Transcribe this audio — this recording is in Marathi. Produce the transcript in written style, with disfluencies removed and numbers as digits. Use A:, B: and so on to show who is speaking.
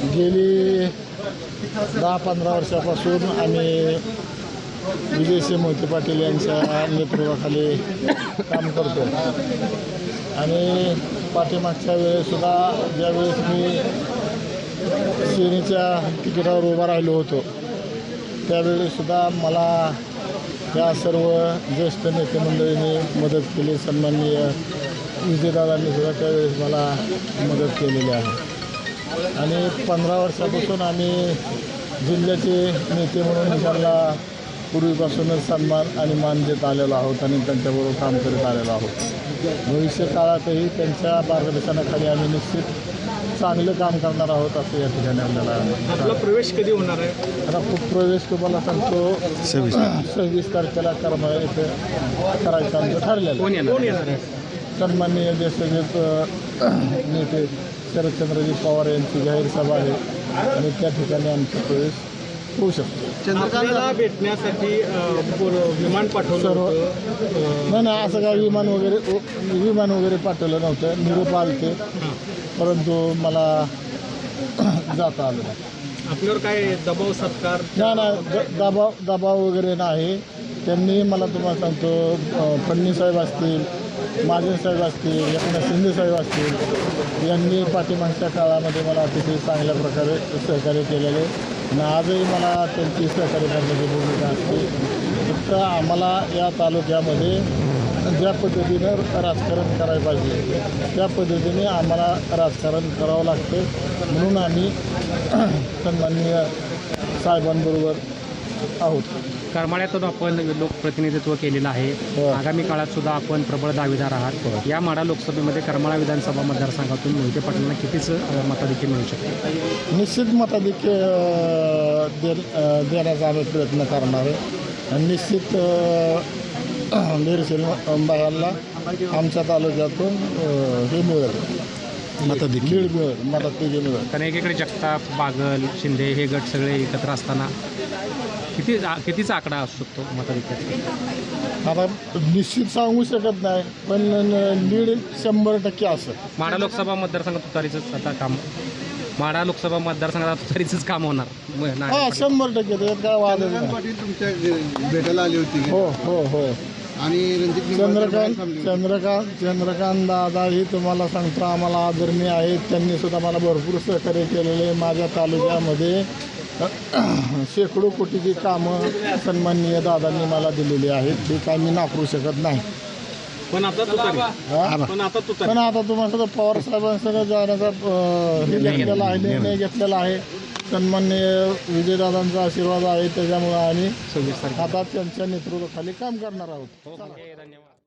A: गेली 10-15 वर्षापासून आम्ही विजयसिंह मोहिते पाटील यांच्या नेतृत्वाखाली काम करतो आणि पाठीमागच्या वेळेसुद्धा ज्यावेळेस मी सेनेच्या तिकिटावर उभा राहिलो होतो त्यावेळेसुद्धा मला या सर्व ज्येष्ठ नेते मंडळींनी मदत केली. सन्माननीय विजयदादांनी सुद्धा त्यावेळेस मला मदत केलेली आहे आणि 15 वर्षापासून आम्ही जिल्ह्याचे नेते म्हणून त्यांना पूर्वीपासूनच सन्मान आणि मान देत आलेलो आहोत आणि त्यांच्याबरोबर काम करत आलेलो आहोत. भविष्य काळातही त्यांच्या मार्गदर्शनाखाली आम्ही निश्चित चांगलं काम करणार आहोत असं या ठिकाणी आपल्याला.
B: प्रवेश कधी होणार आहे?
A: आता प्रवेश तुम्हाला सांगतो 26 तारखेला करमाळा इथे करायचं आमचं ठरलेलं.
B: कोण येणार आहे?
A: सन्माननीय ज्येष्ठ नेते शरदचंद्रजी पवार यांची जाहीर सभा आहे आणि त्या ठिकाणी आमचा प्रवेश होऊ शकतो.
B: आपल्याला भेटण्यासाठी विमान पाठवलं होतं?
A: नाही असं काय विमान वगैरे पाठवलं नव्हतं. निरोप आलते परंतु मला जाता आलं नाही.
B: आपल्यावर काय दबाव सत्कार?
A: नाही दबाव वगैरे नाही. त्यांनी मला तुम्हाला सांगतो फडणवीस साहेब असतील, महाजन साहेब असतील, एकनाथ शिंदे साहेब असतील यांनी पाठीमागच्या काळामध्ये मला अतिशय चांगल्या प्रकारे सहकार्य केलेले आणि आजही मला त्यांची सहकार्य करण्याची भूमिका असते. फक्त आम्हाला या तालुक्यामध्ये ज्या पद्धतीनं राजकारण करायला पाहिजे त्या पद्धतीने आम्हाला राजकारण करावं लागतं. म्हणून आम्ही सन्माननीय साहेबांबरोबर आहोत.
B: करमाळ्यातून आपण लोकप्रतिनिधित्व केलेलं आहे. आगामी काळात सुद्धा आपण प्रबळ दावेदार आहात. या माढा लोकसभेमध्ये करमाळा विधानसभा मतदारसंघातून मोहिते पाटलांना कितीच मताधिक्य मिळू शकते?
A: निश्चित मताधिक्य देण्याचा आम्ही प्रयत्न करणार आहे आणि निश्चित निर्शील बायाला आमच्या तालुक्यातून हे मिळेल मताधिक्य मिळेल.
B: कारण एकीकडे जगताप, बागल, शिंदे हे गट सगळे एकत्र असताना कितीचा आकडा असू शकतो मताधिक्याचा?
A: आता निश्चित सांगू शकत नाही पण लीड 100% असं.
B: माढा लोकसभा मतदारसंघात तुतारीचंच आता काम, माढा लोकसभा मतदारसंघात तुतारीचंच काम होणार?
A: 100% त्यात काय वाद नाही.
C: पाटील तुमच्या भेटायला आली होती
A: हो हो हो
C: आणि रणजित
A: चंद्रकांत दादाही तुम्हाला सांगतो आम्हाला आदरणीय आहेत. त्यांनी सुद्धा मला भरपूर सहकार्य केलेले. माझ्या तालुक्यामध्ये शेकडो कोटीची कामं सन्माननीय दादांनी मला दिलेली आहेत. ते काय मी नाकारू शकत नाही.
B: पण आता
A: तुम्हाला पवार साहेबांसह जाण्याचा हे घेतलेला आहे, निर्णय घेतलेला आहे. सन्माननीय विजयदादांचा आशीर्वाद आहे त्याच्यामुळे आम्ही आता त्यांच्या नेतृत्वाखाली काम करणार आहोत.
B: धन्यवाद.